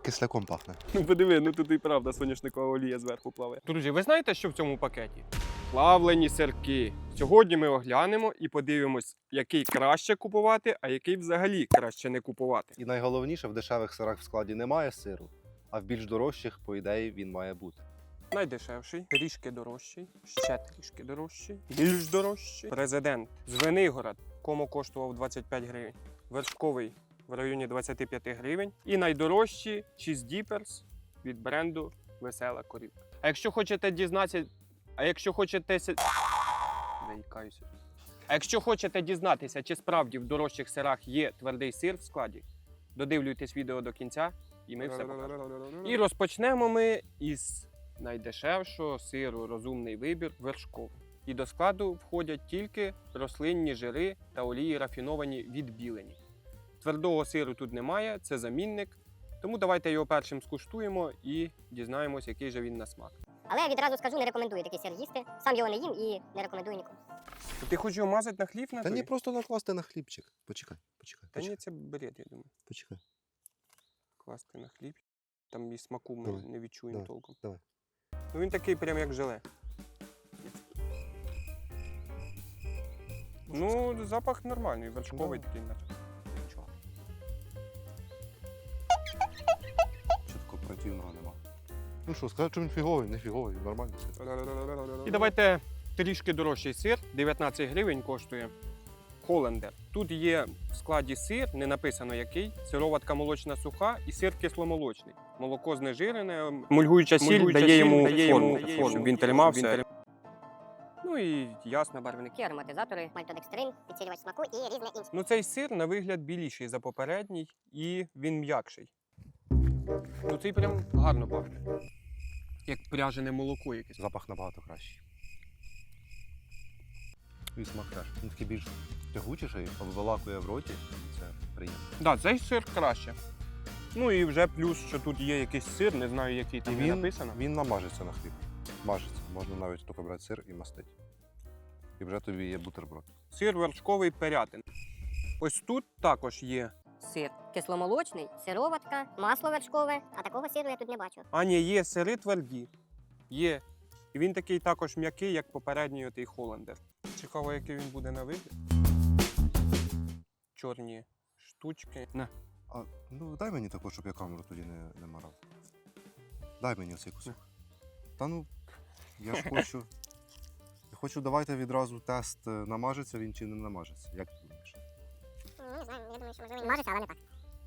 кисляком пахне. Ну подиви, ну тут і правда соняшникова олія зверху плаває. Друзі, ви знаєте, що в цьому пакеті? Плавлені сирки. Сьогодні ми оглянемо і подивимось, який краще купувати, а який взагалі краще не купувати. І найголовніше, в дешевих сирах в складі немає сиру, а в більш дорожчих, по ідеї, він має бути. Найдешевший, трішки дорожчий, ще трішки дорожчий, більш дорожчий. Президент з Венигород, кому коштував 25 гривень. Вершковий в районі 25 гривень. І найдорожчі Cheese Dippers від бренду Весела Корівка. А якщо хочете дізнатися... Заїкаюся. А якщо хочете дізнатися, чи справді в дорожчих сирах є твердий сир в складі, додивлюйтесь відео до кінця, і ми все покажемо. І розпочнемо ми із найдешевшого сиру «Розумний вибір» вершковий. І до складу входять тільки рослинні жири та олії рафіновані відбілені. Твердого сиру тут немає, це замінник. Тому давайте його першим скуштуємо і дізнаємось, який же він на смак. Але відразу скажу, не рекомендую такий сир їсти. Сам його не їм і не рекомендую нікому. Ти хочеш його мазати на хліб? Та ні, просто накласти на хлібчик. Почекай. Та ні, це бред, я думаю. Почекай. Класти на хліб. Там і смаку ми Давай. не відчуємо Давай. толком. Давай. Ну він такий прям як желе. Ну, запах нормальний, вершковий такий наче. Нічого. Що такого противного нема? Ну що, скажи, що він фіговий, не фіговий, нормальний сир. І давайте трішки дорожчий сир, 19 гривень коштує. Холлендер. Тут є в складі сир, не написано який, сироватка молочна суха і сир кисломолочний. Молоко знежирене, мульгуюча сіль дає йому форму, щоб він тримався. Ну і ясно, барвники. Такі ароматизатори, мальтодекстрин, підсилювач смаку і різне інше. Ну цей сир на вигляд біліший за попередній і він м'якший. Ну цей прям гарно пахне. Як пряжене молоко якесь. Запах набагато кращий. І смак теж. Він такий більш тягучіший, обволакує в роті. Це приємно. Так, цей сир краще. Ну і вже плюс, що тут є якийсь сир, не знаю, який там не написано. Він намажеться на хліб. Мажеться. Можна навіть тільки брати сир і мастити. І вже тобі є бутерброд. Сир вершковий перятин. Ось тут також є. Сир кисломолочний, сироватка, масло вершкове, а такого сиру я тут не бачу. А ні, є сири тверді. Є. І він такий також м'який, як попередній отий Холлендер. Цікаво, який він буде на вигляд. Чорні штучки. На. А, ну дай мені також, щоб я камеру тоді не марав. Дай мені оцей кусок. Та ну, я ж хочу. Я хочу, давайте відразу тест, намажеться він чи не намажеться. Як ти думаєш? Не знаю, я думаю, що можливо мажеться, але не так.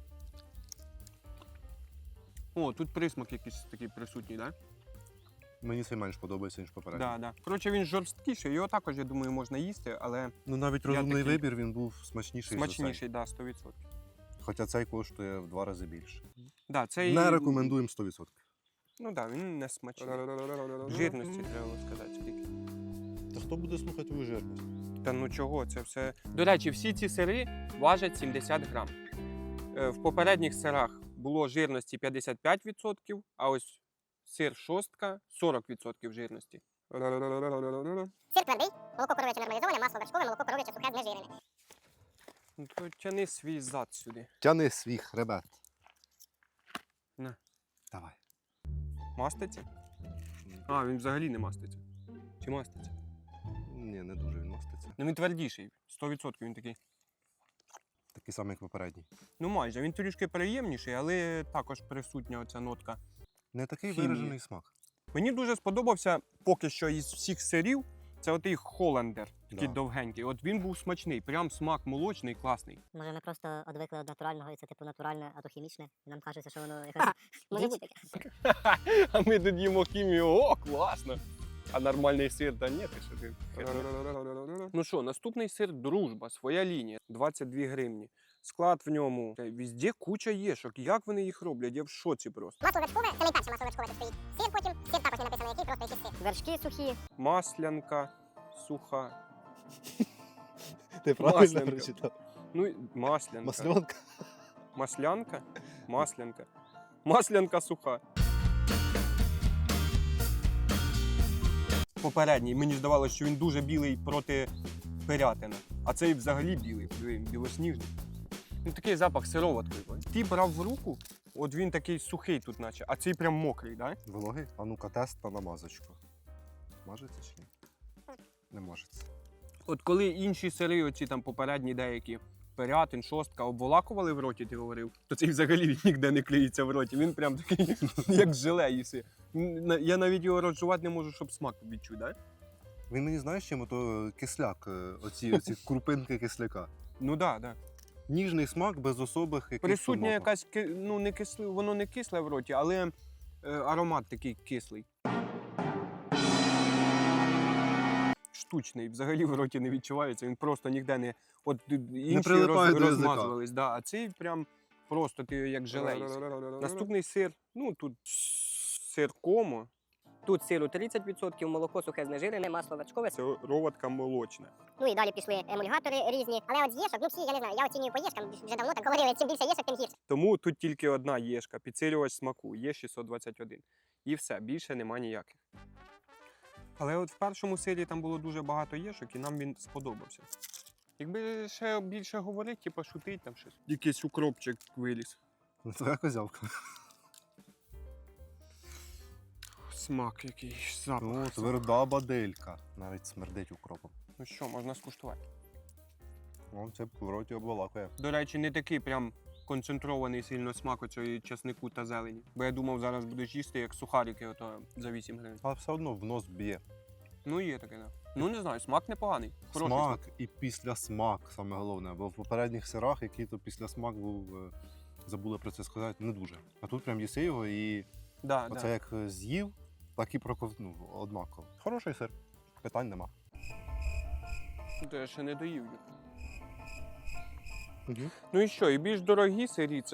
О, тут присмак якийсь такий присутній, так? Мені цей менш подобається, ніж попередній. Так, так. Коротше, він жорсткіший, його також, я думаю, можна їсти, але Ну навіть Я розумний такий вибір, він був смачніший. За цей. смачніший, так, 100%. Хоча цей коштує в 2 рази більше. Да, цей... Не рекомендуємо 100%. Ну так, він не смачний. Жирності треба сказати скільки. Та хто буде слухати твою жирність? Та ну чого, це все. До речі, всі ці сири важать 70 грам. В попередніх сирах було жирності 55%, а ось сир шостка 40% жирності. Сир твердий, молоко коров'яче нормалізоване, масло вершкове, молоко коров'яче сухе знежирене. Ну то тяни свій зад сюди. Тяни свій хребет. На. Давай. Маститься? А, він взагалі не маститься. Чи маститься? Ні, не дуже він маститься. Ну він твердіший, 100% він такий. Такий самий, як попередній. Ну майже, він трішки приємніший, але також присутня оця нотка. Не такий Хімії. виражений смак. Мені дуже сподобався поки що із всіх сирів, це отий Холлендер, такий Да. довгенький. От він був смачний, прям смак молочний, класний. Може ми просто одвикли від натурального, і це типу натуральне, а то хімічне. І нам кажеться, що воно якось... Може бути таке. А ми тут їмо хімію, о, класно! А нормальний сир, та ні, ти що ти. Ну що, наступний сир Дружба, своя лінія, 22 гривні. Склад в ньому, везде куча єшок. Як вони їх роблять? Я в шоці просто. Масло вершкове, це найперше масло вершкове тут стоїть. Сир потім, сир також не написано який, просто якийсь сир. Вершки сухі. Маслянка, суха. Ти правильно Маслянка. прочитав? Ну, маслянка. Маслянка. Маслянка? Маслянка. Маслянка суха. Попередній, мені здавалося, що він дуже білий проти перятина. А цей взагалі білий, білосніжний. Він такий запах сироваткою. Ти брав в руку От він такий сухий тут, наче, а цей прям мокрий, да? Вологий? А ну-ка, тест на намазочку. Мажеться чи ні? Не мажеться. От коли інші сири, оці там попередні деякі, Пирятин, шостка, обволакували в роті, ти говорив, то цей взагалі він ніде не клеїться в роті. Він прям такий, як желе їси. Я навіть його розжувати не можу, щоб смак відчути, да? Він мені знаєш чим? То кисляк, оці крупинки кисляка. Ну так, да, так. Да. Ніжний смак без особих якихось. Присутня томатів. якась, ну не кисле, воно не кисле в роті, але аромат такий кислий. Штучний, взагалі в роті не відчувається, він просто ніде не. От інші прилипає до язика. розмазувались, да, а цей прям просто ти як желе їси. Наступний сир, ну тут сир комо. Тут сиру 30%, молоко сухе знежирене, масло вершкове, сироватка молочна. Ну і далі пішли емульгатори різні. Але от з єшок, ну всі, я не знаю, я оцінюю по єшкам, вже давно так говорили, чим більше єшок, тим гірше. Тому тут тільки одна єшка, підсилювач смаку, є 621. І все, більше нема ніяких. Але от в першому сирі там було дуже багато єшок, і нам він сподобався. Якби ще більше говорити, типу шутить там щось. Якийсь укропчик виліз. Ну, твоя козявка. Смак якийсь, запах. Ну, тверда бадилька. Навіть смердить укропом. Ну що, можна скуштувати. О, це в роті обволакує. До речі, не такий прям концентрований сильно смак оцього часнику та зелені. Бо я думав, зараз будеш їсти як сухарики ото за 8 гривень. Але все одно в нос б'є. Ну є таке, да. Ну не знаю, смак непоганий. Хороший Смак і післясмак, саме головне. Бо в попередніх сирах, який то післясмак був, забули про це сказати, не дуже. А тут прям їси його і Да, оце да. як з'їв, так і проковтнув однаково. Хороший сир, питань нема. То я ще не доїв їх. Угу. Ну і що, і більш дорогі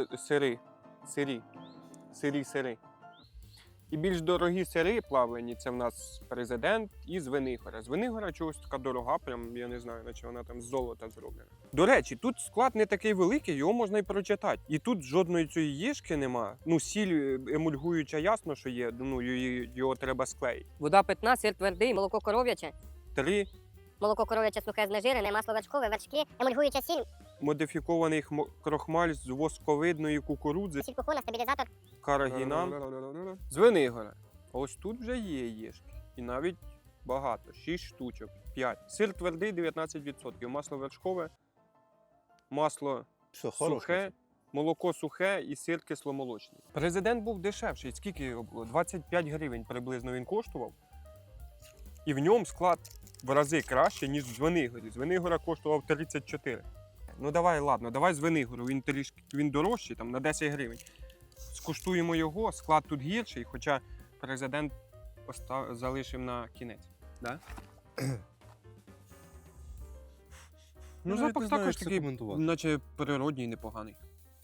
сири. І більш дорогі сири плавлені, це в нас президент і Звенигора. Звенигора чогось така дорога, прям я не знаю, наче вона там з золота зроблена. До речі, тут склад не такий великий, його можна і прочитати. І тут жодної цієї єшки нема. Ну, сіль емульгуюча, ясно, що є, ну його треба склеїти. Вода питна, сир твердий, молоко коров'яче. 3 Молоко коров'яче сухе знежирене, масло вершкове, вершки, емульгуюча сіль, модифікований крохмаль з восковидної кукурудзи, сіль кухона, стабілізатор. карагінам. Звенигора. Ось тут вже є єшки. І навіть багато. 6 штучок. 5. Сир твердий 19%. Масло вершкове, масло Все, сухе, молоко сухе і сир кисломолочний. Президент був дешевший. Скільки його було? 25 гривень приблизно він коштував. І в ньому склад в рази краще, ніж в Звенигорі. Звенигора коштував 34. Ну давай, ладно, давай Звенигору. Він дорожчий, там на 10 гривень. Скуштуємо його, склад тут гірший, хоча президент залишив на кінець. Да? Ну, запах також такий, наче природній, непоганий.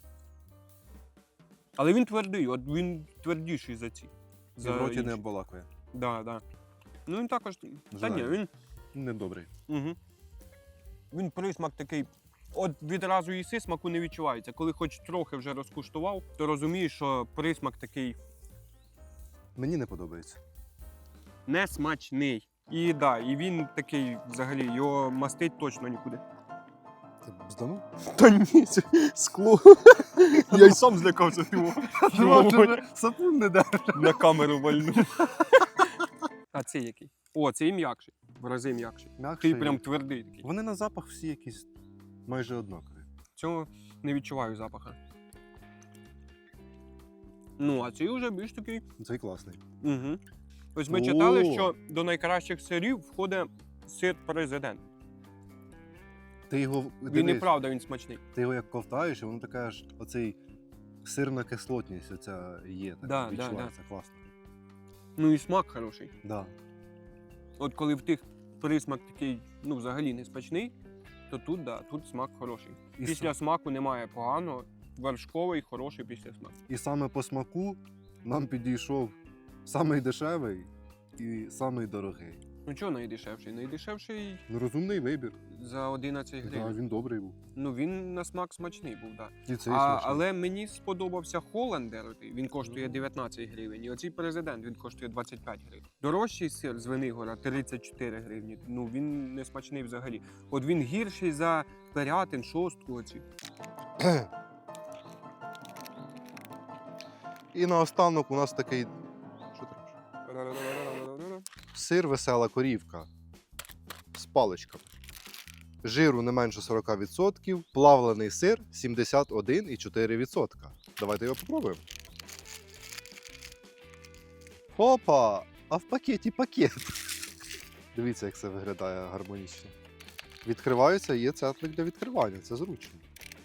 Але він твердий, от він твердіший за ці. В роті не інші. обволакує. Да, да. Ну він також. Та ні, Жаль. він. Недобрий. Угу. Він присмак такий. От відразу їси, смаку не відчувається. Коли хоч трохи вже розкуштував, то розумієш, що присмак такий Мені не подобається. несмачний. І да, і він такий взагалі, його мастить точно нікуди. Ти бзданув? Та ні, це скло. Я й сам злякався його. Сапун не дав. На камеру вальнув. А цей який? О, цей м'якший. В рази м'якший. Такий прям твердий такий. Вони на запах всі якісь майже однакові. Цього не відчуваю запаха. Ну, а цей вже більш такий. Цей класний. Угу. Ось ми читали, О! що до найкращих сирів входить сир президент. Ти його Він дивись, і правда, він смачний. ти його як ковтаєш, і воно така ж оцей сирна кислотність оця є. Так Да, відчувається класно. Ну і смак хороший. Да. От коли в тих присмак такий, ну, взагалі не смачний, то тут, да, тут смак хороший. І, Після смаку немає поганого, вершковий, хороший після смаку. і саме по смаку нам підійшов самий дешевий і самий дорогий. Ну чого найдешевший? Найдешевший Ну, розумний вибір. за 11 Да, гривень. він добрий був. Ну він на смак смачний був, так. Да. І цей А, смачний. але мені сподобався Холландер, він коштує 19 гривень, і оцей президент, він коштує 25 гривень. Дорожчий сир з Венигора 34 гривні, ну він не смачний взагалі. От він гірший за Пирятин, шостку оці. І наостанок у нас такий. Що ти робиш? Сир весела корівка з паличками. Жиру не менше 40%, плавлений сир 71,4%. Давайте його попробуємо. Опа! А в пакеті пакет. Дивіться, як це виглядає гармонічно. Відкривається і є цетлик для відкривання. Це зручно.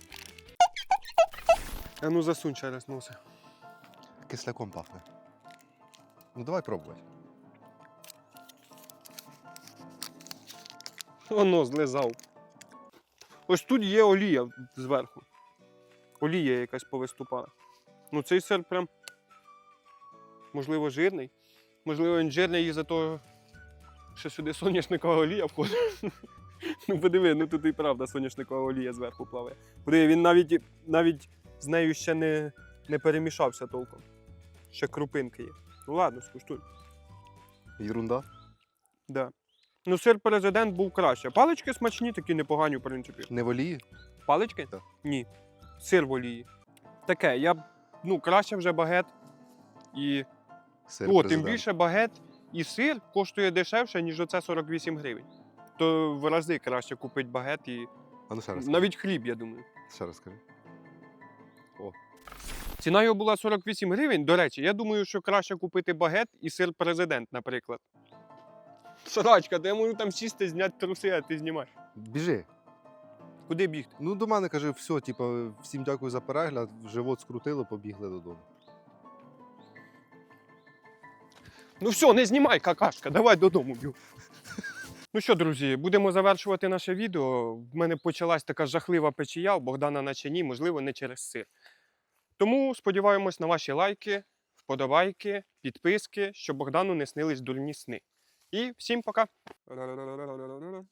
А ну засунь через носи. Кисляком пахне. Ну давай пробувати. Воно злизав. Ось тут є олія зверху. Олія якась повиступала. Ну цей сир прям, можливо, жирний. Можливо, він жирний із-за того, що сюди соняшникова олія входить. Ну подиви, ну тут і правда соняшникова олія зверху плаває. Подиви, він навіть з нею ще не перемішався толком. Ще крупинки є. Ну ладно, скуштуй. Єрунда. Да. Ну, сир президент був краще. Палички смачні, такі непогані, в принципі. Не в олії? Палички? Так. Ні. Сир в олії. Таке, краще вже багет і. Сир Тим президент. більше багет і сир коштує дешевше, ніж оце 48 гривень. То в рази краще купити багет і. А ну ще раз. Навіть хліб, я думаю. Ще раз скажи. Ціна його була 48 гривень. До речі, я думаю, що краще купити багет і сир президент, наприклад. Сарачка, то я можу там сісти, зняти труси, а ти знімаєш. Біжи. Куди бігти? Ну до мене каже, все, типу, всім дякую за перегляд, живот скрутило, побігли додому. Ну все, не знімай, какашка, давай додому б'ю. Ну що, друзі, будемо завершувати наше відео. В мене почалась така жахлива печія, у Богдана наче ні, можливо, не через сир. Тому сподіваємось на ваші лайки, вподобайки, підписки, щоб Богдану не снились дурні сни. І всім пока!